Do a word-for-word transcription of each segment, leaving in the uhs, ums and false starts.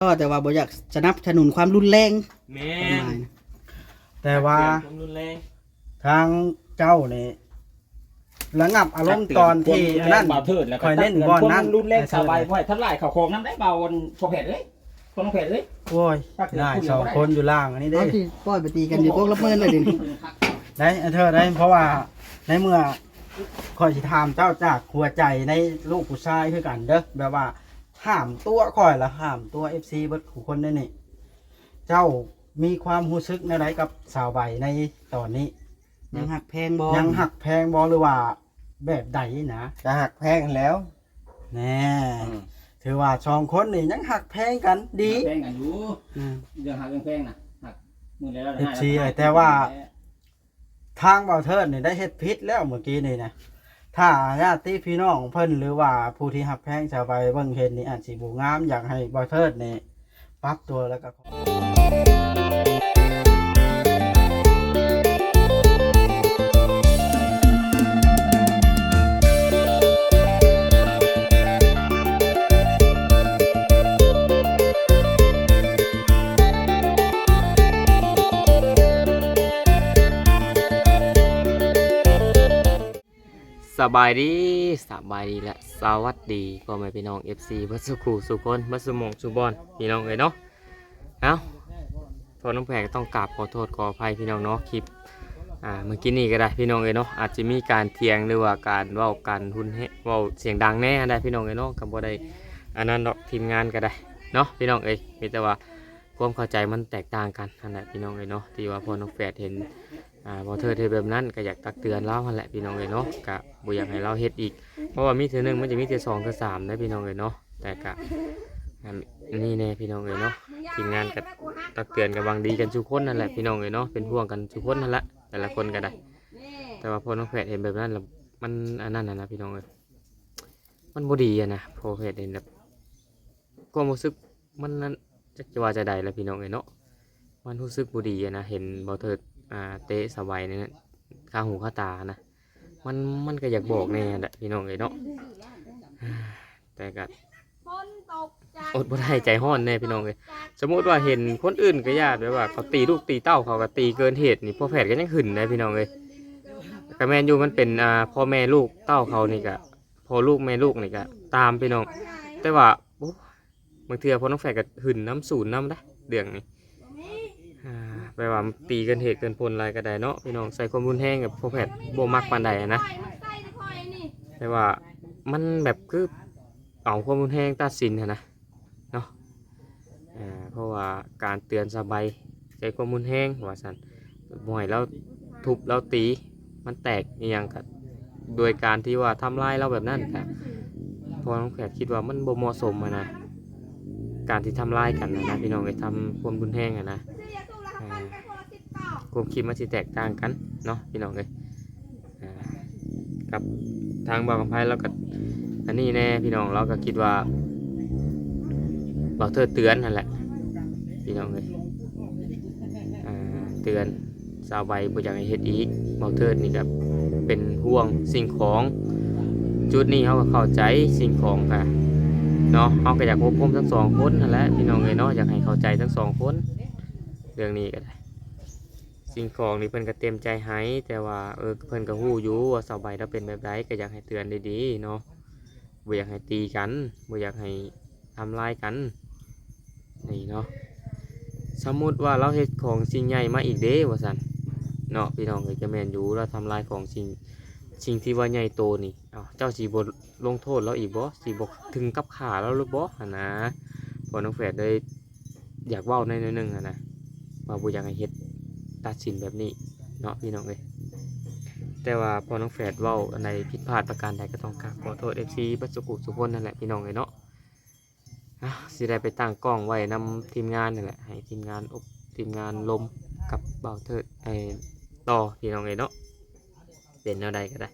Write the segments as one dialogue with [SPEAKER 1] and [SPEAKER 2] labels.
[SPEAKER 1] ก็แต่ว่าบ่อยากสนับสนุนความรุนแรง
[SPEAKER 2] แม่น
[SPEAKER 3] แต่ว่า
[SPEAKER 2] ความรุนแรง
[SPEAKER 3] ทางเจ้าเนี่ยระงับอารมณ์ตอนที่อันนั้น
[SPEAKER 2] เบาเทิดแล้วก็
[SPEAKER 3] คอยเล่นบอลนั้น
[SPEAKER 2] รุนแรงสบายไว้ทั้งหลายเข่าโคงน้ำได้เบาพอแผดเลยคนแผดเลย
[SPEAKER 3] โอ้ยได้สองคนอยู่ล่างอันนี้
[SPEAKER 1] เอา
[SPEAKER 3] ได้
[SPEAKER 1] ที่ปล่อยไปตีกันอยู่พวกละเมินเลยดิ
[SPEAKER 3] ได้อันเธอได้เพราะว่าในเมื่อคอยสิถามเจ้าจากหัวใจในลูกผู้ชายคือกันเด้อแบบว่าห้ามตัวคอยละห้ามตัว เอฟ ซี เบิดผู้คนได้นี่เจ้ามีความรู้สึกในไรกับสาวใบในตอนนี้
[SPEAKER 1] ยังหักแพงบ่
[SPEAKER 3] ยังหักแพงบอหรือว่าแบบใดนะ
[SPEAKER 4] จะหักแพงแล้ว
[SPEAKER 3] แน่ถือว่าสองคนนี่ยังหักแพงกันดี
[SPEAKER 2] แพงกันอยู่
[SPEAKER 3] อืม
[SPEAKER 2] เรื่องหักเรื่องแพงนะหักมือแล้ว
[SPEAKER 3] เอฟซีแต่ว่า ทางเบาเทิดนี่ได้เฮ็ดพิษแล้วเมื่อกี้นี่นะถ้าญาติพี่น้องเพิ่นหรือว่าผู้ที่หักแพงชาวไปเบิ่งเห็นนี่อาจสิบ่งามอยากให้เบาเทิดนี่ปรับตัวแล้วก็
[SPEAKER 5] สบายดีสบายดีและสวัสดีพ่อแม่พี่น้อง เอฟ ซี บัสสุขูสุคนบัสสุมงสุบอนพี่น้องเลยเนาะเอ้าพอน้องแพรก็ต้องกราบขอโทษขออภัยพี่น้องเนาะคลิปอ่าเมื่อกี้นี่ก็ได้พี่น้องเลยเนาะอาจจะมีการเถียงหรือว่าการเว้ากันหุ่นเฮเว้าเสียงดังแน่ได้พี่น้องเลยเนาะกับบ่ได้อันนั้นดอกทีมงานก็ได้เนาะพี่น้องเอ้ยมีแต่ว่าความเข้าใจมันแตกต่างกันนั่นแหละพี่น้องเลยเนาะที่ว่าพอน้องแพรเห็น อ่าพอเธอเทแบบนั้นก็อยากตักเตือนเราหั่นแหละพี่น้องเลยเนาะกะบ่อยากให้เราเฮ็ดอีกเพราะว่ามีเทื่อหนึงมันจะมีเทื่อสองเทื่อสามนะพี่น้องเลยเนาะแต่กะอันนี่แน่พี่น้องเลยเนาะทีมงานก็ตักเตือนกันบางดีกันทุกคนนั่นแหละพี่น้องเลยเนาะเป็นห่วงกันทุกคนนั่นแหละแต่ละคนก็ได้แต่ว่าพอน้องแพทย์เห็นแบบนั้นแล้วมันอันนั้นนะนะพี่น้องเลยมันบ่ดีอะนะพอแพทย์เห็นแบบความรู้สึกมันนั้นจะว่าจะใดแล้วพี่น้องเลยเนาะมันรู้สึกบ่ดีอะนะเห็นบ่เถิดอ่าเตะสบายเนี่ยข้าหูข้าตานะมันมันก็อยากบอกแน่แหละพี่น้องเลยเนาะแต่ก็อดบ่ได้ใจห้อนแน่พี่น้องเลยสมมติว่าเห็นคนอื่นก็ญาติแบบว่าเขาตีลูกตีเต้าเขาก็ตีเกินเหตุนี่พ่อแพทย์ก็ยังหึ่นนะพี่น้องเลยก็แม่นอยู่มันเป็นอ่าพ่อแม่ลูกเต้าเขานี่ก็พ่อลูกแม่ลูกนี่ก็ตามพี่น้องแต่ว่าโอ้บางเทื่อพ่อน้องแฝดก็หึ่นน้ำศูนย์น้ำได้เดืองนี่แปลว่าตีเกินเหตุเกินผลอะไรก็ได้เนาะพี่น้องใส่ความรุนแรงกับพ่อแพทย์โบมักปานใดนะแต่ว่ามันแบบคือเอาความรุนแรงตัดสินนะเนาะอ่าเพราะว่าการเตือนสบายใส่ความรุนแรงว่าสันบ่อยแล้วทุบแล้วตีมันแตกอย่างกับโดยการที่ว่าทำลายเราแบบนั้นครับพอน้องแพทย์คิดว่ามันบ่เหมาะสมนะการที่ทำลายกันนะพี่น้องไปทำความรุนแรงนะความคิดมันสิแตกต่างกันเนาะพี่น้องเลยกับทางบ่าวกำไพเราก็อันนี้แน่พี่น้องเราก็คิดว่าเราเธอเตือนนั่นแหละพี่น้องเลยเตือนสาวใบบ่อยากให้เฮ็ดอีกเราเธอนี่ก็เป็นห่วงสิ่งของจุดนี้เขาก็เข้าใจสิ่งของค่ะเนาะเขาก็อยากควบคุมทั้งสองคนนั่นแหละพี่น้องเลยเนาะอยากให้เข้าใจทั้งสองคนเรื่องนี้ก็ได้สิ่งของนี่เพิ่นก็เต็มใจให้แต่ว่าเออเพิ่นก็ฮู้อยู่ว่าสาวใบเราเป็นแบบใดก็อยากให้เตือนดีๆเนาะบ่อยากให้ตีกันบ่อยากให้ทำร้ายกันนี่เนาะสมมุติว่าเราเฮ็ดของสิ่งใหญ่มาอีกเด้ว่าซั่นเนาะพี่น้องก็จะแม่นอยู่เราทำลายของสิ่งสิ่งที่ว่าใหญ่โตนี่เอ้าเจ้าสิบ่ลงโทษเราอีกบ่สิบ่ถึงกับฆ่าเราหรือบ่หั่นนะพอน้องแฝดได้อยากเว้าในนิดนึงหั่นนะว่าบ่อยากให้เฮ็ดตัดสินแบบนี้เนาะพี่น้องเอ้ยแต่ว่าพอน้องแฝดเว้าอันใดผิดพลาดประการใดก็ต้องกราบขอโทษ เอฟ ซี บัสสุขุสุคนนั่นแหละพี่น้องเอ้ยเนาะอ่ะสิได้ไปตั้งกล้องไว้นำทีมงานนั่นแหละให้ทีมงานอบทีมงานลมกับเบาเทิดไอ้ต่อพี่น้องเอ้ยเนาะเป็นแนวใดก็ได้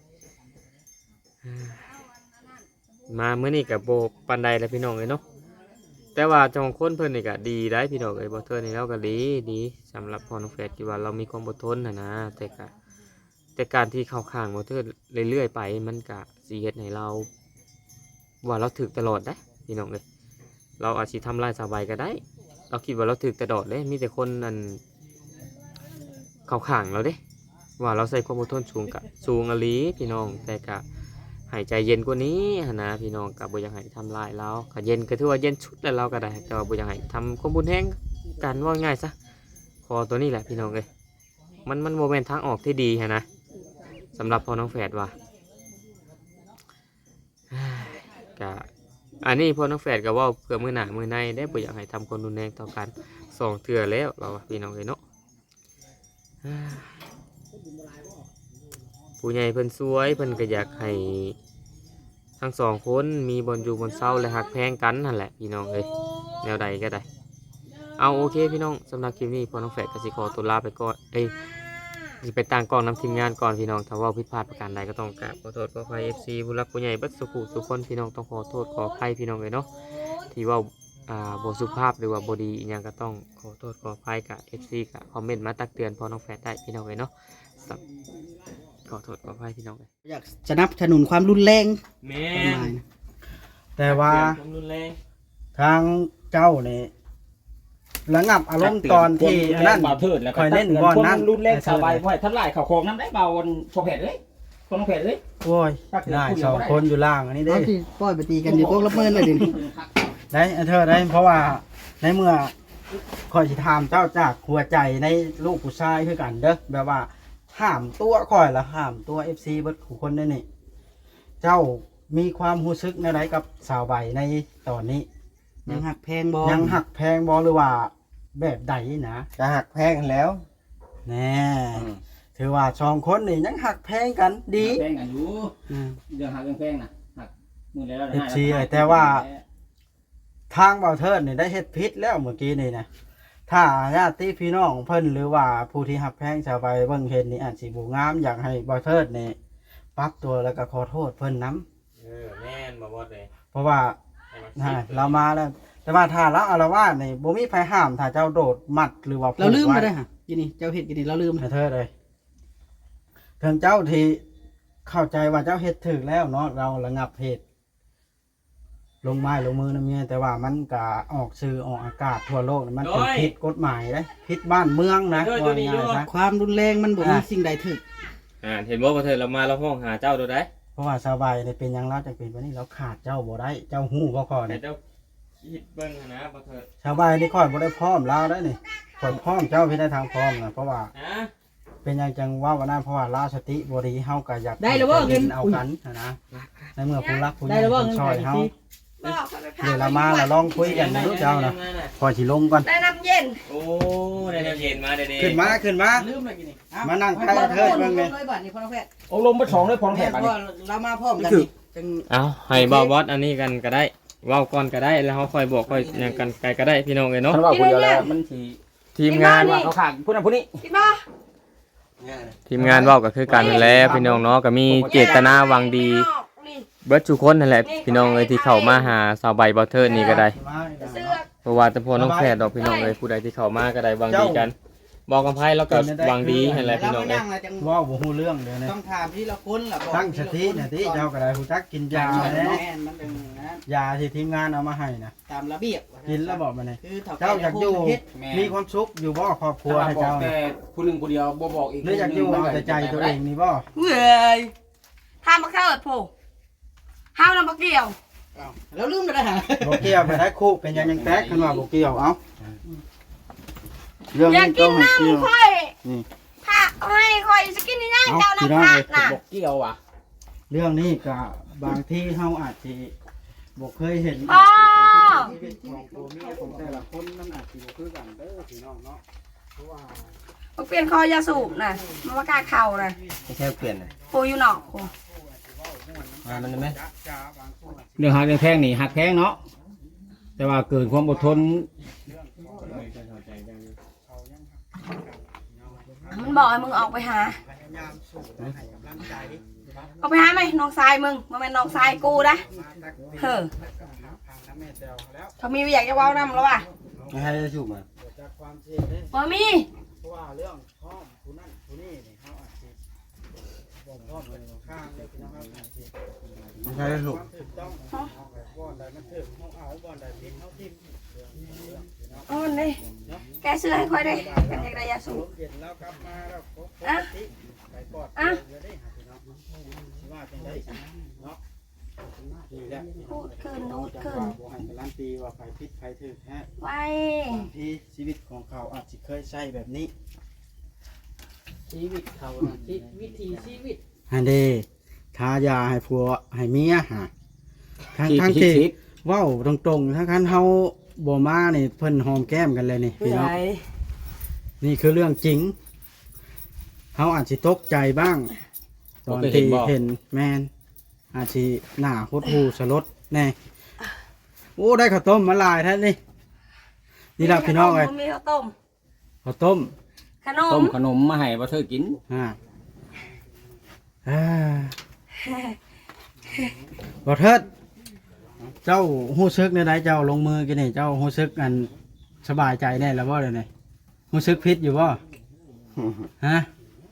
[SPEAKER 5] มาเมื่อนี้กับโบปันใดแล้วพี่น้องเอ้ยเนาะแต่ว่าจองคนเพิ่นนี่ก็ดีได้พี่น้องเอ้ยบ่เทิดนี่เราก็ดีดีสำหรับพอน้องแฝดที่ว่าเรามีความอดทนนะนะแต่ก็แต่การที่เข้าข้างบ่เทิดเรื่อยๆไปมันก็สิเฮ็ดให้เราว่าเราถึกตลอดได้พี่น้องเอ้ยเราอาจสิทำลายสาวใบก็ได้เราคิดว่าเราถึกแต่โดดเลยมีแต่คนนั่นเข้าข้างเราเด้ว่าเราใส่ความอดทนสูงกะสูงอหลีพี่น้องแต่กะหายใจเย็นกว่านี้หั้นนะพี่น้องกะบ่อยากให้ทำลายเราก็เย็นก็ถือว่าเย็นชุดแล้วเราก็ได้แต่ว่าบ่อยากให้ทำความบุญแห้งกันว่าง่ายซะพอตัวนี้แหละพี่น้องเอ้ยมันมันโมเมนทางออกที่ดีฮะนะสำหรับพ่อน้องแฝดว่ากะอันนี้พ่อน้องแฝดก็ว่าเพื่อมือหนามือในได้บ่อยากให้ทำคนรุนแรงต่อกันสองเถื่อแล้วเราว่าพี่น้องเอ้ยเนาะผู้ใหญ่เพิ่นสวยเพิ่นก็อยากให้ทั้งสองคนมีบนอยู่บนเศร้าและหักแพงกันนั่นแหละพี่น้องเอ้ยแนวใดก็ได้เอาโอเคพี่น้องสำหรับคลิปนี้พ่อน้องแฝดก็สิขอตัวลาไปก่อนเอ้ยสิไปตั้งกล้องนำทีมงานก่อนพี่น้องถ้าว่าผิดพลาดประการใดก็ต้องกราบขอโทษขออภัย เอฟ ซี ผู้รักผู้ใหญ่เบัดสุขุทุกคนพี่น้องต้องขอโทษขออภัยพี่น้องเลยเนาะที่ว่าอ่าบ่สุภาพหรือว่าบ่ดีอีหยังก็ต้องขอโทษขออภัยกับ เอฟ ซี กับคอมเมนต์มาตักเตือนพ่อน้องแฝดได้พี่น้องเลยเนาะขอโทษขออภัยพี่น้องเลย
[SPEAKER 1] อยากสนับสนุนความรุนแรง
[SPEAKER 5] แม่
[SPEAKER 1] ประมาณนะ
[SPEAKER 3] แต่ว่า
[SPEAKER 5] ความรุนแรง
[SPEAKER 3] ทางเจ้านี่ระงับอารมณ์ตอนที่อันนั้น
[SPEAKER 2] เบาเทิดแล้วก็
[SPEAKER 3] คอยเล่นบอลนั้น
[SPEAKER 2] รุ่นแรกสบายเพราะทัดลายเข่าโคงน้ำได้เบาบนพอแผดเลยคนน้องแผดเลย
[SPEAKER 3] โอ้ยได้สองคนอยู่ล่างอันนี้เด้
[SPEAKER 1] เอาที่ปล่อยไปตีกันอยู่พวกละเมินเลยดิ
[SPEAKER 3] ได้อันเธอได้เพราะว่าในเมื่อคอยสิถามเจ้าจากหัวใจในลูกผู้ชายคือกันเด้อแบบว่าห้ามตัวคอยละห้ามตัว เอฟ ซี เบิดผู้คนได้นี่เจ้ามีความรู้สึกในไรกับสาวใบในตอนนี้
[SPEAKER 1] ยังหักแพงบ่
[SPEAKER 3] ยังหักแพงบอหรือว่าแบบใดนะ
[SPEAKER 4] จะหักแพงกันแล้ว
[SPEAKER 3] แน่ถือว่าสองคนนี่ยังหักแพงกันดี
[SPEAKER 2] แพงกันอยู่
[SPEAKER 1] อืม
[SPEAKER 2] เรื่องหักเรื่องแพงนะหักมือแล้ว
[SPEAKER 3] เอฟซีเลยแต่ว่า ทางเบาเทิดนี่ได้เฮ็ดพิษแล้วเมื่อกี้นี่นะถ้าญาติพี่น้องเพิ่นหรือว่าผู้ที่หักแพงชาวไปเบิ่งเห็นนี่อาจสิบ่งามอยากให้เบาเทิดนี่ปรับตัวแล้วก็ขอโทษเพิ่นนํ
[SPEAKER 5] เออแม่นบ่บอดเลย
[SPEAKER 3] เพราะว่าฮะเรามาแล้ว แต่ว่าถ้าเราอารวาสนี่บ่มีไผห้ามถ้าเจ้าโดดมัดหรือว่า
[SPEAKER 1] เราลืม
[SPEAKER 3] ผูก
[SPEAKER 1] ไป
[SPEAKER 3] ไว้
[SPEAKER 1] ได้ฮะกินนี่เจ้าเห็ดกินนี่เราลืม
[SPEAKER 3] ให้เธอเลยถึงเจ้าที่เข้าใจว่าเจ้าเฮ็ดถึกแล้วเนาะเราระงับเหตุลงไม้ลงมือนะเมียแต่ว่ามันก็ออกสื่อออกอากาศทั่วโลกนี่มันเป็นผิดกฎหมายเลยผิดบ้านเมืองนะว่าง่ายๆซะ
[SPEAKER 1] ความรุนแรงมันบ่มีสิ่งใดถึก
[SPEAKER 5] อ่าเห็นบ่บ่เธอเรามาเราห้องหาเจ้าดูได้
[SPEAKER 3] เพราะว่าสบายนี่เป็นหยังเราจังเป็นวันนี้เราขาดเจ้าบ่ได้เจ้าฮู้บ่ก่อน
[SPEAKER 5] แต่
[SPEAKER 3] นี่
[SPEAKER 5] เจ้าคิดเบิ่งนะบ่เธอ
[SPEAKER 3] สบายนี่ค่อยบ่ได้พร้อมเราได้นี่ค่อยพร้อมเจ้าพี่ได้ทางพร้อมนะเพราะว่า
[SPEAKER 5] ฮะ
[SPEAKER 3] เป็นหยังจังว่าวันนั้นเพราะว่าลาสติบริเฮาก็อยาก
[SPEAKER 1] ได้แล้วบ่เงิน
[SPEAKER 3] เอากันนะนะในเมื่อผู้รักผู้ให
[SPEAKER 1] ได้
[SPEAKER 3] ญ่
[SPEAKER 1] แล้วบ่
[SPEAKER 3] ผู้
[SPEAKER 1] เงิน
[SPEAKER 3] ช่วยเฮา
[SPEAKER 6] บอกเขาไปพา
[SPEAKER 3] เดี๋ยวเรามาเราลองคุยกันดูเจ้านะพอสิลงก่อน
[SPEAKER 6] ได้น้ำเย็น
[SPEAKER 5] โอ้ได้น้ำเย็นมาเด้ๆ
[SPEAKER 3] ขึ้นมาขึ้นมา
[SPEAKER 1] ลืมเลยกินนี่
[SPEAKER 3] มานั่งใกล้เทิดเบิ่งเลย
[SPEAKER 1] เลยบัดนี้พ่อน้องแพทย์
[SPEAKER 2] โอ้ลมไปสองเลยพอน้องแผ
[SPEAKER 1] แม่
[SPEAKER 2] ด
[SPEAKER 1] พ่อเรามาพร้อมกันนี่จัง
[SPEAKER 5] เอาให้บ่บอสอันนี้กันก็ได้เว้าก่อนก็ได้แล้วเฮาค่อยบอกค่อยหยังกันไกลก็ได้พี่น้องเอ้ยเนาะ
[SPEAKER 2] ท่านว่าคนเดียวแล้วมันสี
[SPEAKER 5] ทีมงาน
[SPEAKER 2] ว่าเขาขาดผู้นั้นผู้นี้
[SPEAKER 6] พี่บ้า
[SPEAKER 5] ทีมงานเว้าก็คือกันนั่นแหละพี่น้องเนาะก็มีเจตนาหวังดี
[SPEAKER 6] นี่ออกนี่
[SPEAKER 5] เบิดทุกคนนั่นแหละพี่น้องเอ้ยที่เข้ามาหาสาวใบบ่เทิดนี่ก็ได้
[SPEAKER 6] เสื้อ
[SPEAKER 5] เพราะว่าแต่พอน้องแฝดดอกพี่น้องเอ้ยผู้ใดที่เข้ามาก็ได้หวังดีกัน บอกกับไผแล้วก็หวังดีนั่นแหละพี่น้อง
[SPEAKER 1] เรา
[SPEAKER 5] เอ้ย
[SPEAKER 1] มานั่งแล้วจัง
[SPEAKER 3] ว่าบ่ฮู้เรื่องเด้อเนี่ย
[SPEAKER 1] ต้องถามที่ละคนล่ะบอก
[SPEAKER 3] ตั้งสติเนี่ยติเจ้าก็ได้ฮู้จักกินยา
[SPEAKER 1] แม่
[SPEAKER 3] แน่
[SPEAKER 1] นมันเป็นอย่างนั้น
[SPEAKER 3] ยาที่ทีมงานเอามาให้นะ
[SPEAKER 1] ตามระเบียบ
[SPEAKER 3] กินแล้วบอกมานี่
[SPEAKER 1] คือถ้
[SPEAKER 3] เจ้าอยากอยู่
[SPEAKER 1] เฮ็ด
[SPEAKER 3] มีความสุขอยู่บ่ครอบครัวให้เจ้า
[SPEAKER 2] แต่
[SPEAKER 3] น่ะ
[SPEAKER 2] ผู้หนึ่งผู้เดียวบ่บอกอีก
[SPEAKER 3] หรืออยากอยู่เอาแต่ใจตัวเองนี่บ่
[SPEAKER 6] เว้ยทำมาเกิดผู้ห้าวน้ำบักเดียว
[SPEAKER 1] อ้าวแล้วลืมไปได้ฮะ
[SPEAKER 3] บ่เกี่ยวไปได้คู่เป็นหยังยังแตกคันว่าบ่เกี่ยวเอ้าเรื่อง
[SPEAKER 6] อยาก
[SPEAKER 3] นี้
[SPEAKER 6] กิ
[SPEAKER 3] ต้อน งให้เกี่ยว
[SPEAKER 6] น้ำค่อย
[SPEAKER 3] นี่
[SPEAKER 6] ถ้าให้ค่อยจะกินนี่นะเจ้าน้ำผักน่ะ
[SPEAKER 2] บอกเกี่ยวอ่ะ
[SPEAKER 3] เรื่องนี้ก็บางที่เฮาอาจสิบ่เคยเห็น
[SPEAKER 6] อ๋อ
[SPEAKER 3] ชีวิตของตัวเมียของแต่ละคนมันอาจสิบ่คือกันเด้อพี่น้องเนาะเพราะว่า
[SPEAKER 6] บักเปลี่ยนคอยาสูบน่ะมันมากาเข่าน่ะ
[SPEAKER 4] ไม่ใช่เปลี่ยนเลย
[SPEAKER 6] ปูอยู่นอกกู
[SPEAKER 4] มามันได้ไหม
[SPEAKER 2] เรื่องหักเรื่องแพงนี่หักแพงเนาะแต่ว่าเกินความอดทน
[SPEAKER 6] มันบอกให้มึงออกไปหาออกไปหาไหมน้องทรายมึงมันเป็นน้องทรายกูนะเฮ้อเขามีอยากจะเว้านำแล้วว่ะ
[SPEAKER 4] ไม่ให้ได้สูบมา
[SPEAKER 6] บ่มี
[SPEAKER 3] เพราะว่าเรื่องห้องผู้นั้นผู้นี้นี่เฮาอาจสิบบอกพ่อเลยบอกข้างเลยพี่น้องครับ
[SPEAKER 4] ไม่ใช่ลูก
[SPEAKER 3] ถูกต้องบ่อนใดมันถึกเฮาเอาบ่อนใดผิดเฮาทิ่ม
[SPEAKER 6] เอ๋อนี่แกซื้อให้ค่อยได้กันอยากได้ยาสูบ
[SPEAKER 3] เย็นแล้วกลับมาแล้วปกติไปกอดเลยได้หาพี่น้องสิว่าจังได๋เนาะนี่แหละ
[SPEAKER 6] พูดขึ้นพูดขึ้น
[SPEAKER 3] บ่ให้การันตีว่าไผผิดไผถูกฮะ
[SPEAKER 6] ไว้
[SPEAKER 3] บางทีชีวิตของเขาอาจจะเคยใช้แบบนี้
[SPEAKER 1] ชีวิตเขาน่ะชีวิธีชีวิต
[SPEAKER 3] ฮันเดทายาให้ผัวให้เมียฮะทั้งทั้งที่เว้าตรงๆถ้าคันเฮาบ่มานี่เพิ่นหอมแก้มกันเลยนี่พี่น้องนี่คือเรื่องจริงเฮาอาจสิตกใจบ้างตอนที่เห็นแม่นอาจสิหน้าหดหูสลดแน่โอ้ได้ข้าวต้มมาหลายแท้นี่นี่ล่ะพี่น้องเอ้ย
[SPEAKER 6] มีข้าวต้ม
[SPEAKER 3] ข้าวต้ม
[SPEAKER 6] ขน
[SPEAKER 2] ต้
[SPEAKER 6] ม
[SPEAKER 2] มขนมมาให้บ่เธอกิน
[SPEAKER 3] อ่าอ่าบ่เทิดเจ้าฮู้ซึกในใดเจ้าลงมือกินนี่เจ้าฮู้ซึกอันสบายใจแน่แล้วบ่เดี๋ยวนี้ฮู้ซึกผิดอยู่บ่ฮะ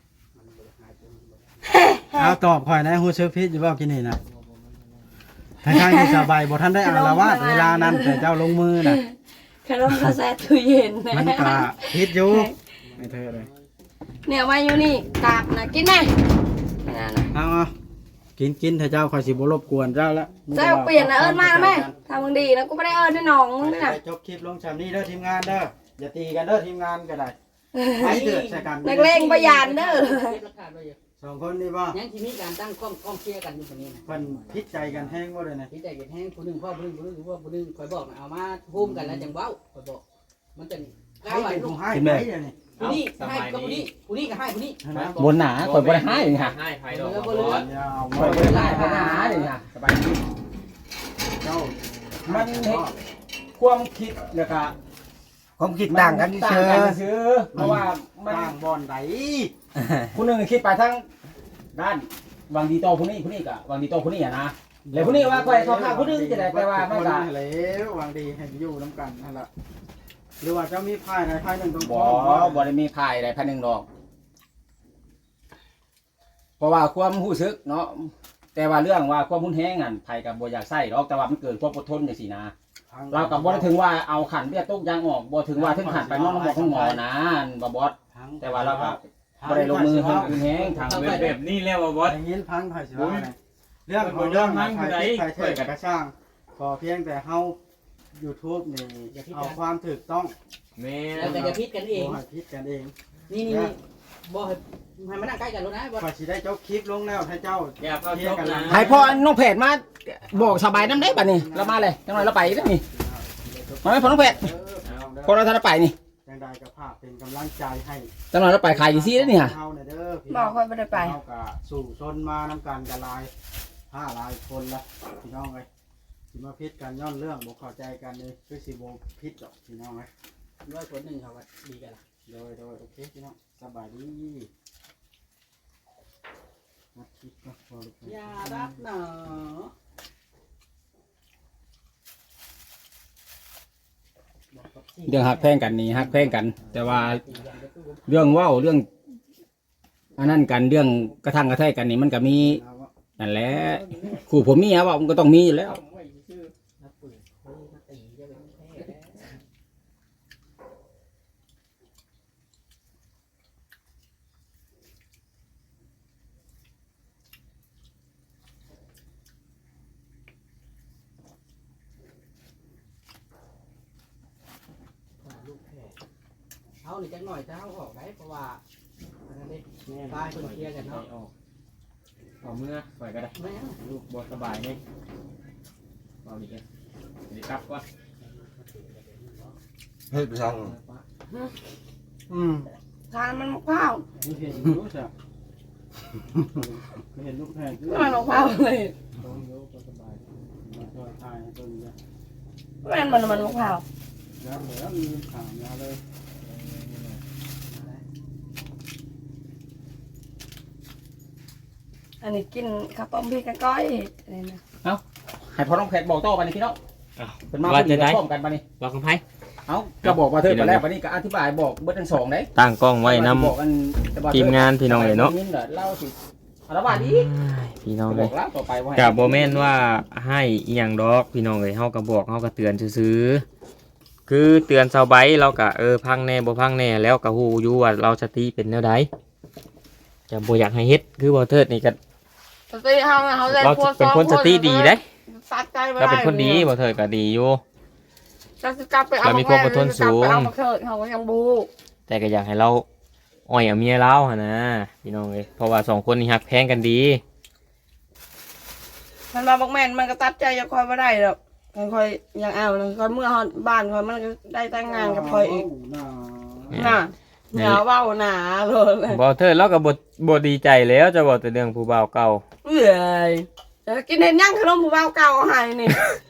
[SPEAKER 3] เอาตอบข่อยนะฮู้ซึกผิดอยู่บ่กินนี่นะทางๆที่สบายบ่ทันได้อ่านละวาดเวลานั้นแต่เจ้าลงมือน่ะ
[SPEAKER 6] ขนมกาแฟตู้เย็นนะ
[SPEAKER 3] มันก็ผิดอยู่ไม่เธอเลย
[SPEAKER 6] เนี่ยไว้อยู่นี่กากนะกินไหมไม่นานนะ
[SPEAKER 3] เอาเอากินกินถ้าเจ้าข่อยสิบ่รบกวนเจ้าละ
[SPEAKER 6] เจ้าเปลี่ยนนะเอิญมาแล้วไหมทำมึงดีนะกูไม่ได้เอิญด้วยน้องมึงนี่นะ
[SPEAKER 3] จบคลิปลงชามนี้เด้อทีมงานเด้ออย่าตีกันเด้อทีมงานก็ได้ไปเถิดใส่กัน
[SPEAKER 6] นักเลงประหยัดเด้อ
[SPEAKER 3] สองคนนี่บ่
[SPEAKER 1] ยังที่มีการตั้งกล้องกล้องเชียร์กันอยู่คนนี้นะ
[SPEAKER 3] เพิ่นพิดใจกันแห้งบ่เลยนะ
[SPEAKER 1] ที่ใจเย็นแห้งผู้หนึ่งพ่อผู้หนึ่งผู้หนึ่งพ่อผู้หนึ่งคอยบอกนะเอามาพูมกันแล้วจังเว้าคอยบอกมันจะ
[SPEAKER 3] ใคร
[SPEAKER 1] ก้าวไหว
[SPEAKER 3] เป็น
[SPEAKER 1] ลู
[SPEAKER 3] ผู้
[SPEAKER 1] ก
[SPEAKER 3] ให้ไปเดี๋ยวนี้
[SPEAKER 1] ผู้นี้ให้ก็ผู้นี้ผู้นี้ก็ให้ผู้นี้
[SPEAKER 3] นะ
[SPEAKER 2] บนหนาข่อยบ่ได้หาอย่างนี้ฮะ
[SPEAKER 5] ให้ไผดอก
[SPEAKER 1] บ่เหลือ
[SPEAKER 3] ยาว
[SPEAKER 2] ข่อยบ่ได้หาข่อยบ่ได้หาอย่างนี้ฮะสบายดี
[SPEAKER 3] เจ้า
[SPEAKER 2] มันเฮ็ดความคิดแล้วก็
[SPEAKER 4] ความคิดต่างกัน
[SPEAKER 2] ต่า
[SPEAKER 4] เชื่
[SPEAKER 2] ง
[SPEAKER 4] อ
[SPEAKER 2] กันซื่อเพราะว่ามัน
[SPEAKER 3] ต่างบ่อนใด
[SPEAKER 2] ผู้หนึงคิดไปทั้งด้านวางดีโตผู้นี้ผู้นี้ก็วางดีโตผู้นี้อ่ะนะแล้วผู้นี้ว่าข่อยเข้าข้างผู้นึงจะได้แต่ว่ามันก็
[SPEAKER 3] แล้ววางดีให้อยู่นํกันนั่นล่ะหรือว่าเจ้ามีพายใดพายหนึ่งตรง
[SPEAKER 2] บ่
[SPEAKER 3] ท้อง
[SPEAKER 2] บ่ได้มีภายใดภายหนึ่งดอก เพราะว่าความรู้สึกเนาะแต่ว่าเรื่องว่าความรุนแรงนั่นไผก็บ่อยากใช้ดอกแต่ว่ามันเกิดความอดทนจังซี่นะเราก็บ่ได้ถึงว่าเอาขันเบี้ยตกยางออกบ่ถึงว่าถึงขันไปนอนหมอของหมอนะบ่บอสแต่ว่าเราก็บ่ได้ลงมือให้รุนแรงทาง
[SPEAKER 5] เอา
[SPEAKER 2] เว็
[SPEAKER 5] แบบ บนี้แล้วบ่บอส
[SPEAKER 3] อย่างนี้พังไผ่สิว่าไงเรื่องของเรื่องมันไผ่ไผ่เถิดกระช่างขอเพียงแต่เฮา YouTube นี่เอาความถูกต้อง
[SPEAKER 5] แม่
[SPEAKER 1] แล้วก็จะพิดกันเอง
[SPEAKER 3] บ่ให้ผิดกันเอง
[SPEAKER 1] นี่นี่นี่บ่ให้ให้มานั่งใกล้กันแล้วนะบ่
[SPEAKER 3] ขอสิได้เจ้าคลิปลงแล้วให้เจ้า
[SPEAKER 5] อย่าเข้าชกนะ
[SPEAKER 2] ให้พ่อน้องเพจมาบอกสบายน้ำได้บัดนี้เรามาเลยจังหน่อยเราไปแล้วนี่มาไหมพ่อน้องเพจ
[SPEAKER 3] เออเอาเด้อ
[SPEAKER 2] พอเราทันไปนี่
[SPEAKER 3] จังใดก็ภาพเป็นกำลังใจให้
[SPEAKER 2] จังหน่อยเราไปขายอยู่ซี่แล้วนี่ฮะ
[SPEAKER 3] เฮาน่ะเด้อพี่
[SPEAKER 6] บ
[SPEAKER 3] น้
[SPEAKER 6] อ
[SPEAKER 3] อก ง
[SPEAKER 6] ค่อยไม่ได้ไป
[SPEAKER 3] เฮาก็สู่ชนมานำกันกันหลายห้าหลายคนละพี่น้องเอ้ยสิมาพิดกันย้อนเรื่องบ่เข้าใจกันเลยคือสิบ่พิดดอกพี่น้องเอ้ย
[SPEAKER 1] ด้วยคนหนึ่งเขาว่าดีกันล่ะ
[SPEAKER 3] โดยโดยโอเคพี่น้องสบายดีมาคิดก็พอลูก
[SPEAKER 1] อย่ารับหนอ
[SPEAKER 2] เรื่องหักแพงกันนี่หักแพงกัน แต่ว่าเรื่องเว้าเรื่องอันนั้นกันเรื่องกระทั่งกระแทกกันนี่มันก็มีนั่นแหละคู่ผมมีอะว่ามันก็ต้องมีอยู่แล้ว
[SPEAKER 1] นักปืนเฮ้ยมาตีจะเป็นแพ้แล้ว ลูกแพ้เอาหนิจังหน่อยจะเอาออกได้เพราะว่าอันนั้นนี่ตายคนเคลียร์กันเนาะ
[SPEAKER 5] เอาเมื่อปล่อยก็ได้
[SPEAKER 1] ไม่เอา
[SPEAKER 5] ลูกบ่สบายนี่เอาดิกันสิกลับก่อน
[SPEAKER 4] เฮ้ยไปสั่ง
[SPEAKER 3] อืม
[SPEAKER 6] ทานมันมะพร้าว
[SPEAKER 3] มีเห็นอยู่จ้ะมีเห็นลูกแพงด้วย
[SPEAKER 6] มันมะพร้าวเลย
[SPEAKER 3] ต้องยกก็สบายมาช่วยทายให้ต้นจ้ะ
[SPEAKER 6] มันมันมันมะพร้าว
[SPEAKER 3] แล้วเดี๋ยวมีขามยาเลย
[SPEAKER 6] อันนี้กินข้าวต้มพี่กะก้อยอะไรนะ
[SPEAKER 2] ให้พ่อน้องเพจบอกต่อไปนี่พี่น้องเป็นมา
[SPEAKER 5] ว่าจะได้
[SPEAKER 2] พร้อมกันไปนี่
[SPEAKER 5] บอกกันไผ
[SPEAKER 2] เอ้าก็บอกว่าเธอไปแล้วไปนี่ก็อธิบายบอกเบิดทั้งสองได้
[SPEAKER 5] ตั้งกล้องไว้นำ
[SPEAKER 2] บอกกันแต่ว่
[SPEAKER 5] ทีมงานพี่น้องเลยเนาะ
[SPEAKER 2] เล่าสิอารวาสอีก
[SPEAKER 5] พี่น้อง
[SPEAKER 2] บ
[SPEAKER 5] เล
[SPEAKER 2] อย กแล้วต่อไปว่า
[SPEAKER 5] กับโบแม่นว่าให้อีหยังดอกพี่น้องเลยเฮาก็บอกเฮาก็เตือนซื่อๆคือเตือนชาวไบเราก็เออพังแน่บ่พังแน่แล้วก็ฮู้อยู่ว่าเราสติเป็นแนวใดจะบ่อยากให้เฮ็ดคือบ่เทิดนี่ก็
[SPEAKER 6] สติเฮาเฮาได้
[SPEAKER 5] เรา
[SPEAKER 6] พวก
[SPEAKER 5] เป็นคนสติดีเด้
[SPEAKER 6] สัตว์ใจบ่
[SPEAKER 5] เรา
[SPEAKER 6] ได้
[SPEAKER 5] เป็นคนดีบ่เทิดก็ดีอยู่
[SPEAKER 6] จะกลับไปเอา
[SPEAKER 5] เรามีความอดทนสูง
[SPEAKER 6] กลับไปเอามาเถิดเฮาก็ยังบ่
[SPEAKER 5] แต่ก็อยากให้เราอ่อยเอาเมียเราหั่นนะพี่น้องเอ้ยเพราะว่าสองคนนี้ฮักแพงกันดี
[SPEAKER 6] มันมาบอกแม่นมันก็ตัดใจจะคอยบ่ได้ดอกมันคอยยังเอานะคอยเมื่อฮอดบ้านคอยมันก็ได้แต่งงานกับคอยอีกน่ะอย่าเว้าหนาเลย
[SPEAKER 5] บ่เทิดเราก็บ่บ่ดีใจแล้วจะบอกแต่เรื่องผู้บ่าวเก่า
[SPEAKER 6] เอ้ยจะกินเห็นยังขนมผู้บ่าวเก่าเอาให้นี่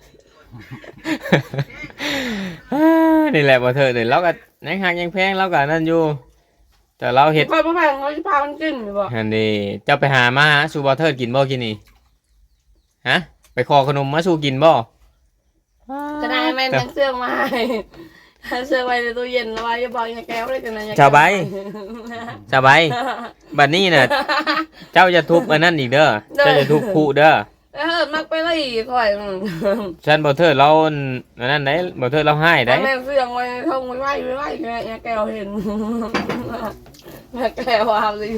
[SPEAKER 5] นี่แหละบ่เทิดนี่เราก็ยังฮักยังแพงเราก็นั่นอยู่แต่เราเฮ็ด
[SPEAKER 6] คอยบ่แพงเขาสิพามันกินอยู่บ่
[SPEAKER 5] อันนี้เจ้าไปหามาหาสู่บ่เทิดกินบ่กินนี่ฮะไปขอขนมมาสู่กินบ่
[SPEAKER 6] จะได้แม่นยังเสื้อมาให้เสื้อไว้ในตู้เย็นแล้วไว้จะบอกอย่าแก้วเลยกันนะอย่
[SPEAKER 5] ชาวใบชาวใบบัดนี้น่ะเจ้าจะทุบอันนั้นอีกเด้อเจ้าจะทุบคู่เด้อ
[SPEAKER 6] เออมักไปเลยคอย
[SPEAKER 5] ฉันบ่เทิดเราอันนั้นได้บ่เทิดเราให้ได้
[SPEAKER 6] แม่เสื้อไว้ท่องไว้ไว้ไว้ไว้อย่าแก้วเห็นอย่าแก้วเอาสิ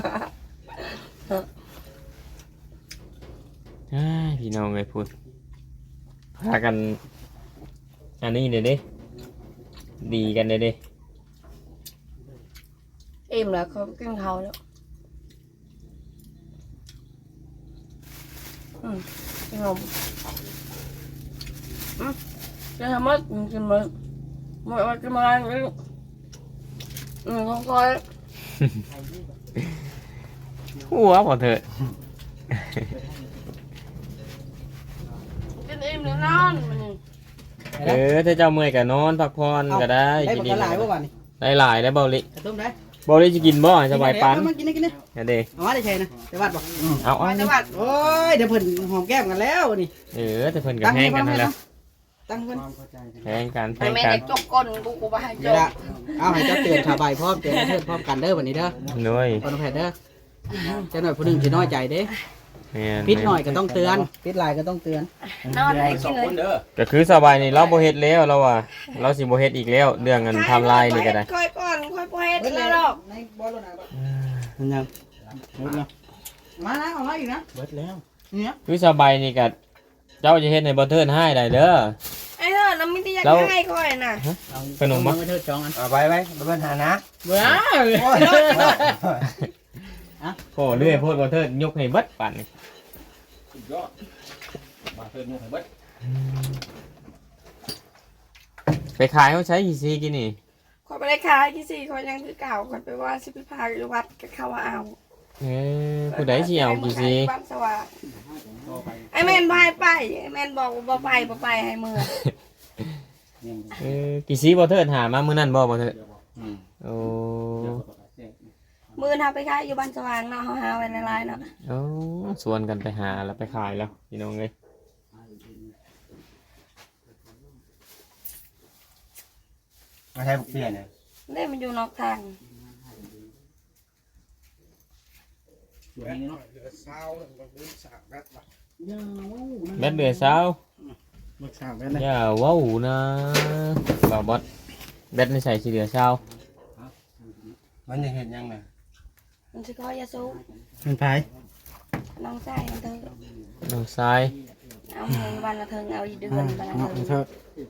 [SPEAKER 5] อ้ายพี่น้องเอ้ยพูดพากันอันนี้เด้เด้ดีกันเด้เด้
[SPEAKER 6] อิ่มแล้วเขากินเขาแล้วอืมกินนมอืมกินทำมัดกินมัดมัดมัดกินมาเลยอืมของคอย
[SPEAKER 5] หัวบ่เทิด
[SPEAKER 6] กินอิ่มแล้วนอนมันนี่
[SPEAKER 5] เออถ้าเจ้าเมื่อยก็นอนพักผ่อนก็ได้
[SPEAKER 1] ได้
[SPEAKER 5] กิ
[SPEAKER 1] บั
[SPEAKER 5] น
[SPEAKER 1] ก
[SPEAKER 5] ดี
[SPEAKER 1] กะหลายบ่บัดนี้
[SPEAKER 5] ได้หลายได้เบาลิ
[SPEAKER 1] กระตุ้มได้
[SPEAKER 5] เบาลิจะกินบ่สบายปัน
[SPEAKER 1] มากินได้กินได้
[SPEAKER 5] นั่นเด้
[SPEAKER 1] เอามาได้ใช่นะแต่วัดบ่
[SPEAKER 5] เอาเอา
[SPEAKER 6] มาจังหวัด
[SPEAKER 1] โอ้ยเดี๋ยวเพิ่นหอมแก้มกันแล้วนี่
[SPEAKER 5] เออแต่เพิ่นก็แพงกันนั่นแหละ
[SPEAKER 1] ตั้งเพิ่น
[SPEAKER 5] แพงกันแพ
[SPEAKER 6] ไอ้
[SPEAKER 5] ง
[SPEAKER 6] แม่
[SPEAKER 5] กัน
[SPEAKER 6] เด็กจกก้นกูกูไปให้จ
[SPEAKER 1] เดี๋ยว
[SPEAKER 6] ก
[SPEAKER 1] ละเอาให้เจ้าเตือนชาวใบพร้อมเตือนเทิดพร้อมกันเด้อวันนี้เด้อ
[SPEAKER 5] หน่วย
[SPEAKER 1] คนแพทย์เด้อเจ้าหน่อยผู้หนึงสิน้อยใจเด้
[SPEAKER 5] แม่น
[SPEAKER 1] ปิดหน่อยก็ต้องเตือนปิดหลายก็ต้องเตือน
[SPEAKER 6] นอนให้
[SPEAKER 2] ส
[SPEAKER 6] กิ
[SPEAKER 2] อน ง
[SPEAKER 6] เล
[SPEAKER 2] คน
[SPEAKER 6] ย
[SPEAKER 2] เด้อ
[SPEAKER 5] ก็คือสบายนี่เราบ่เฮ็ดแล้วเราว่าเราสิบ่เฮ็ดอีกแล้วเรื่องเงินไทำลายนี่ก็ได้
[SPEAKER 6] ค่อยก่อนค่อยพอเฮ็ดแล้วหรอก
[SPEAKER 1] ในบ่รถไหนบ่
[SPEAKER 3] มันยังหมดแล้ว
[SPEAKER 1] มานะเอามาอีกนะ
[SPEAKER 3] เบิดแล้ว
[SPEAKER 1] เนี่ย
[SPEAKER 5] คือสบายนี่ก็เจ้าจะเฮ็ดในบ่เทิร์นให้ได้เด้อ
[SPEAKER 6] ไอ้เฮ้ยน้ำมิตรอยาก
[SPEAKER 5] แล้ว
[SPEAKER 6] ให้ค่อยน่ะ
[SPEAKER 5] ขนมมั้ย
[SPEAKER 1] เอาไปเทิดจองอัน
[SPEAKER 4] เอาไว้ไว้บ่เป็นหานะ
[SPEAKER 1] เบ้อ
[SPEAKER 5] โอ้เรื่อยโพดบ่เทิร์นยกให้เบิดปานนี้
[SPEAKER 2] สุดยอดมาเทิดนู่นให้เบิด
[SPEAKER 5] ไปขายเขาใช้กี่ซีกินนี่
[SPEAKER 6] ค่อยไปได้ขายที่สี่ค่อยยังคือเก่าค่อยไปว่าสิไปพาอยู่วัดก็เข้าว่าเอา
[SPEAKER 5] เอ้ยผู้ใดสิเอากี่ซี
[SPEAKER 6] บ้านสว่างไอ้แมนบายไปไอ้แมนบอกว่าบ่ไปบ่ไปให้มือ
[SPEAKER 5] เออกี่ซีบ่เทิร์นหามามื้อนั้นบ่บ่เทิร์นโอ้
[SPEAKER 6] มือทำไปขายอยู่บ้านสว่างเนาะเขาหาไว้ในไลน์เนาะ
[SPEAKER 5] โอ้ชวนกันไปหาแล้วไปขายแล้วพี่น้องเอ้ย
[SPEAKER 4] มาใช้บุกเปลี่ยนเนี่ย
[SPEAKER 6] เล่มันอยู่นอกทาง
[SPEAKER 5] แบดเดือดเช้า
[SPEAKER 3] มึกสามแม่นเลย
[SPEAKER 5] อย่าเว้าวนะบ่าวบอสแบดไม่ใส่สีเหลือเช้า
[SPEAKER 4] มันจะเห็นยังไง
[SPEAKER 6] มันจะก้อยยาสูบ
[SPEAKER 3] เป็นไผ
[SPEAKER 6] น้องชายมันเธอ
[SPEAKER 5] น้องทราย
[SPEAKER 6] เอาเงินวันละเทิงเอาอีเดือน
[SPEAKER 3] อ่า
[SPEAKER 6] วันละ
[SPEAKER 3] เนาะ
[SPEAKER 6] เทิง
[SPEAKER 3] เถิด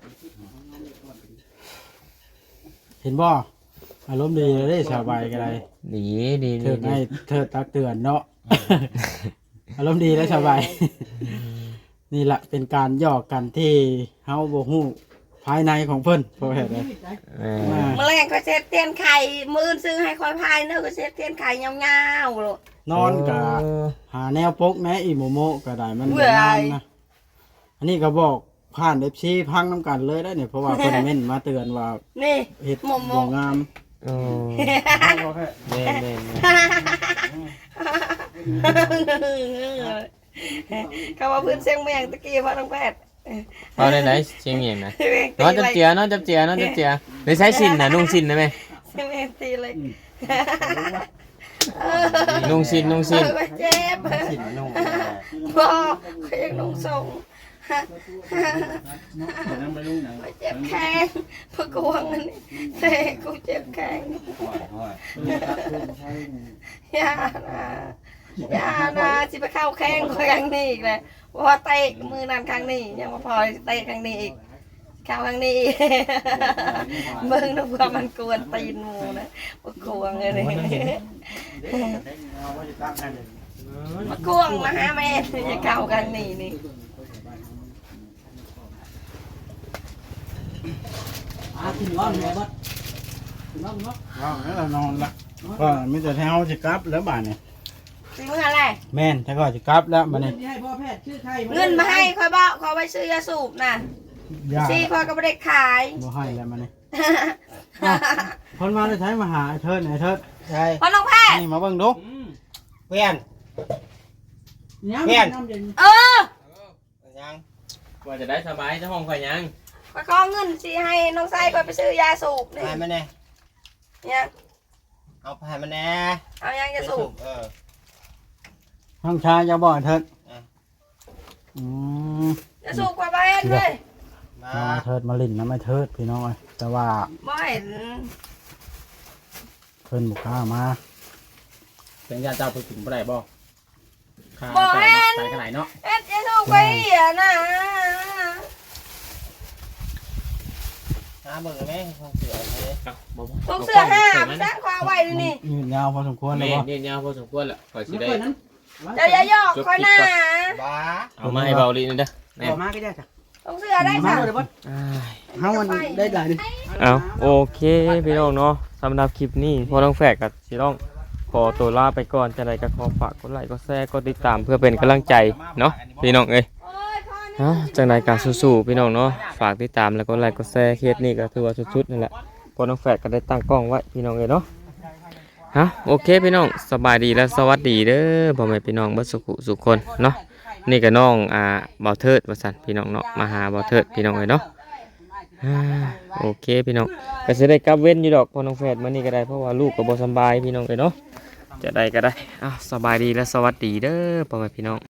[SPEAKER 3] เห็นบ่อารมณ์ดีเลยเด้สบายกันเลย
[SPEAKER 5] ดีดี
[SPEAKER 3] เถิ
[SPEAKER 5] ดี
[SPEAKER 3] ด
[SPEAKER 5] ดี
[SPEAKER 3] ให้เถิดตักเตือนเนาะ อารมณ์ดีและสบาย นี่แหละเป็นการหยอกกันที่เฮาบ่ฮู้ภายในของเพิ่นเพราะเหตุใด
[SPEAKER 5] เออ
[SPEAKER 3] มา
[SPEAKER 6] เมื่อแรงก็เซ็ตเตียนไข่มืออนซื้อให้คอยพายเนื้อะก็เซ็ตเตียนไข่ยาวๆเลย
[SPEAKER 3] นอนกับ
[SPEAKER 5] เออ
[SPEAKER 3] หาแนวปกแม่อีโมโมก็ได้มัน
[SPEAKER 6] เบื่
[SPEAKER 3] บ่
[SPEAKER 6] อ
[SPEAKER 3] งามนะอันนี้ก็บอกผ่าน เอฟ ซี พังน้ำกันเลยได้เนี่ยเพราะว่าเพิ่นเม่นมาเตือนว่า
[SPEAKER 6] นี่
[SPEAKER 3] เฮ็ด
[SPEAKER 6] โมโม
[SPEAKER 3] บ่งาม
[SPEAKER 5] โอ้แม่นแม่นแม่น
[SPEAKER 6] เขาว่าพื้นเสียงเมียงตะกี้พ่อน้องแพทย์
[SPEAKER 5] เอาได้ไหนเชียงเมียงนะนอนจับเจียนอนจับเจียนอนจับเจียได้ใช้สินนะนุ่งสินนะแม่
[SPEAKER 6] เสียงเมียงตีเลย
[SPEAKER 5] นุ่งสิ้นนุ่งสิ้น
[SPEAKER 6] เออก็เจ็บ
[SPEAKER 4] สินนุ่ง
[SPEAKER 6] บ่เขายังนุ่งทรง
[SPEAKER 2] เดี๋ยวนั้นไปลุงหนัง
[SPEAKER 6] ก็เจ็บแข้งพะกวงอันนี้เตะกูเจ็บแข้งอย่านะอย่านะสิไปเข้าแข้งครั้งนี้อีกเลยว่าเตะมือนั่นครั้งนี้ยังมาพอเตะครั้งนี้อีกเข้าครั้งนี้อีกมึงนึกว่ามันกวนตีนหมูนะพะกวงเลยนี่พะกวงมาหาแม่จะเข้าครั้งนี้นี่
[SPEAKER 1] อ่ะกินร้อนเลยบัดกินร้อนเนาะ
[SPEAKER 3] เอาแล้วเรานอนละก็มีแต่แถวสิกลับแล้วบาดนี่
[SPEAKER 6] สิมึงอะไร
[SPEAKER 3] แม่นถ้าก็สิกลับแล้วบัดนี้
[SPEAKER 1] ให้พ่อแพทย์ชื่อใคร
[SPEAKER 6] เงินมาให้คอยบอกขอไปซื้อยาสูบน่ะ
[SPEAKER 3] ยา
[SPEAKER 6] ซีคอยก็ไม่ได้ขาย
[SPEAKER 3] บ่ให้แล้วบัดนี้คนมาได้ใช้มาหาไอ้เทิดไอ้เทิด
[SPEAKER 4] ใช่
[SPEAKER 6] พอน้องแพทย์
[SPEAKER 3] นี่มาเบิ่งดู
[SPEAKER 4] เพื่อน
[SPEAKER 1] เพี้ยนน้ำเย็น
[SPEAKER 6] เออ
[SPEAKER 4] ยัง
[SPEAKER 5] ว่าจะได้สบายเจ้าห้องข่อยยัง
[SPEAKER 6] คอยขอเงินซีให้น้องไส้คอยไปซื้อยาสูบนี่
[SPEAKER 4] พายมาแน่
[SPEAKER 6] เนี่ย
[SPEAKER 4] เอาพายมาแน่
[SPEAKER 6] เอายังยาสูบ
[SPEAKER 4] เออ
[SPEAKER 3] ห้องชายจะบ่ไอ้เทิด
[SPEAKER 4] อ่ะ
[SPEAKER 3] อืม
[SPEAKER 6] ยาสูบกว่าไปเอ็นเลย
[SPEAKER 4] มา
[SPEAKER 3] น้องไอ้เทิดมาลิ้นน้ำไอ้เทิดพี่น้องเอ้ยแต่ว่า
[SPEAKER 6] บ่เห็น
[SPEAKER 3] เพิ่นบ่กล้ามา
[SPEAKER 2] เป็นญาติเจ้าไปถึงบ่ได้บ่ค่า
[SPEAKER 6] บ่
[SPEAKER 2] จ่าย
[SPEAKER 6] เห็น
[SPEAKER 2] จ่ายขนาดเนาะ
[SPEAKER 6] เอ็ดยาสูบไปอ่ะนะ
[SPEAKER 4] หาเบิ่งไหมของเสือเลย
[SPEAKER 6] พวกเสื้อห้ามันสร้างความไว้ดูนี่
[SPEAKER 3] ยืนยาวพอสมควรเลย
[SPEAKER 5] แม่
[SPEAKER 3] บ่
[SPEAKER 5] เนี่ยยาวพอสมควรแหละข่อยสิ
[SPEAKER 1] ไม่
[SPEAKER 5] ได้
[SPEAKER 1] เคยนั้น
[SPEAKER 6] เดี๋ยวอย่าหยอกคอยหน้า
[SPEAKER 4] บ้า
[SPEAKER 5] เอามาให้เบาลีนี่เด้อแม่
[SPEAKER 1] ออกมาก็ได้จ้ะ
[SPEAKER 6] พวกเสื้อได้
[SPEAKER 1] มา
[SPEAKER 6] ค่ะ
[SPEAKER 1] เลยบัด
[SPEAKER 5] อ้าย
[SPEAKER 1] เฮามันได้หลายดิ
[SPEAKER 5] เอาโอเคพี่น้องเนาะสำหรับคลิปนี้พอต้องแฝกกับสิต้องขอตัวลาไปก่อนจะได้ก็ขอฝากกดไลค์กดแชร์กดติดตามเพื่อเป็นกำลังใจเนาะพี่น้องเอ้ย
[SPEAKER 6] โอ้ยพ่อนี่
[SPEAKER 5] ฮะจังใดการสู้ๆพี่น้องเนาะฝากติดตามแล้วก็ไลค์กดแชร์เคสนี้ก็ถือว่าสุดๆนั่นแหละพอน้องแฝดก็ได้ตั้งกล้องไว้พี่น้องเลยเนาะฮะโอเคพี่น้องสบายดีและสวัสดีเด้อพ่อแม่พี่น้องเบิดสุขสุขคนเนาะนี่ก็น้องอ่าบ่าวเทิดว่าซั่นพี่น้องเนาะมาหาบ่าวเทิดพี่น้องเลยเนาะอ่าโอเคพี่น้องก็สิได้กลับเว้นอยู่ดอกพอน้องแฝดมื้อนี้ก็ได้เพราะว่าลูกก็บ่สำบายพี่น้องเลยเนาะจะได้ก็ได้อ้าวสบายดีและสวัสดีเด้อพ่อแม่พี่น้อง